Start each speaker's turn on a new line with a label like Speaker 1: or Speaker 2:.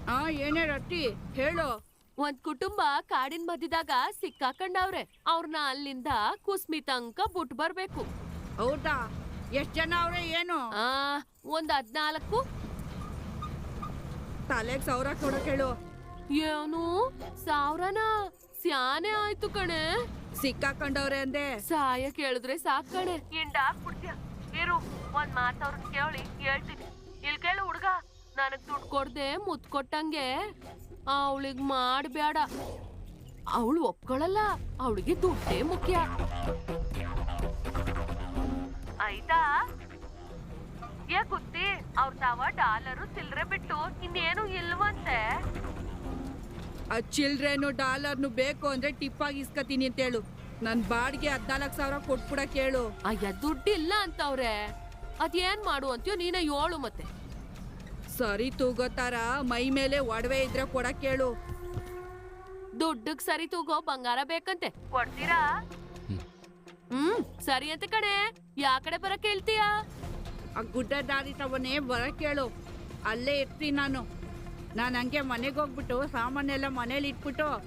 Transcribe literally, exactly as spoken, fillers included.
Speaker 1: ಆ ಏನೇ ರೊಟ್ಟಿ ಹೇಳು.
Speaker 2: ಒಂದ್ ಕುಟುಂಬ ಕಾಡಿನ ಮಧ್ಯದಾಗ ಸಿಕ್ಕಾಕೊಂಡವ್ರೆ. ಅವ್ರನ್ನ ಅಲ್ಲಿಂದ ಕುಸ್ಮಿ ತನಕ ಬಿಟ್ ಬರ್ಬೇಕು.
Speaker 1: ಹೌದಾ? ಎಷ್ಟ್ ಜನ ಅವ್ರೆ ಏನು?
Speaker 2: ಆ ಒಂದ್ ಹದ್ನಾಲ್ಕು.
Speaker 1: ತಲೆಗ್ ಸಾವಿರ ಕೊಡಕ್ ಹೇಳು.
Speaker 2: ಏನು ಸಾವಿರನ? ಸ್ಯಾನೆ ಆಯ್ತು ಕಣೆ.
Speaker 1: ಸಿಕ್ಕಾಕೊಂಡವ್ರೆ ಅಂದೆ.
Speaker 2: ಸಹಾಯ ಕೇಳಿದ್ರೆ ಸಾಕ್ ಕಣೆ. ಹಿಂಡಾಕ್ಬಿಡ್ತೀಯ ಇರು, ಒಂದ್ ಮಾತ್ ಅವ್ರನ್ನ ಕೇಳಿ ಹೇಳ್ತೀನಿ. ಇಲ್ ಕೇಳು ಹುಡ್ಗ, ನನಗ್ ದುಡ್ಡು ಕೊಡ್ದೆ ಮುತ್ ಕೊಟ್ಟಂಗೆ ಅವಳಿಗ್ ಮಾಡ್ಬೇಡ. ಅವಳು ಒಪ್ಕೊಳಲ್ಲ, ಅವಳಿಗೆ ದುಡ್ಡೇ ಮುಖ್ಯ ಆಯ್ತಾ? ಏ ಕುತ್ತಿ, ಅವ್ರ ತಾವ ಡಾಲರು ಚಿಲ್ರೆ ಬಿಟ್ಟು ಇನ್ನೇನು ಇಲ್ವಂತೆ.
Speaker 1: ಆ ಚಿಲ್ಡ್ರೇನು ಡಾಲರ್ನು ಬೇಕು ಅಂದ್ರೆ ಟಿಪ್ ಆಗಿ ಇಸ್ಕತೀನಿ ಅಂತ ಹೇಳು. ನನ್ ಬಾಡಿಗೆ ಹದ್ನಾಲ್ಕು ಸಾವಿರ ಕೊಟ್ಬಿಡಕ್ ಹೇಳು.
Speaker 2: ಅಯ್ಯ ದುಡ್ಡಿಲ್ಲ ಅಂತವ್ರೆ, ಅದೇನ್ ಮಾಡು ಅಂತೀಯೋ ನೀನ ಹೇಳು. ಮತ್ತೆ
Speaker 1: ಸರಿ ತೂಗೋತಾರ ಮೈ ಮೇಲೆ ಒಡವೆ ಇದ್ರೆ ಕೊಡಕ್ ಹೇಳು.
Speaker 2: ದುಡ್ಡಕ್ ಸರಿ ತೂಗೋ ಬಂಗಾರ ಬೇಕಂತೆ, ಕೊಡ್ತೀರಾ? ಹ್ಮ್ ಸರಿ ಅಂತ ಕಣೆ. ಯಾ ಕಡೆ ಬರಕ್ ಹೇಳ್ತೀಯಾ?
Speaker 1: ಆ ಗುಡ್ಡ ದಾರಿ ತವನೇ ಬರಕ್ ಹೇಳು. ಅಲ್ಲೇ ಇರ್ತೀನಿ ನಾನು. ನಾನು ಹಂಗೆ ಮನೆಗೆ ಹೋಗ್ಬಿಟ್ಟು ಸಾಮಾನೆಲ್ಲ ಮನೇಲಿ ಇಟ್ಬಿಟ್ಟು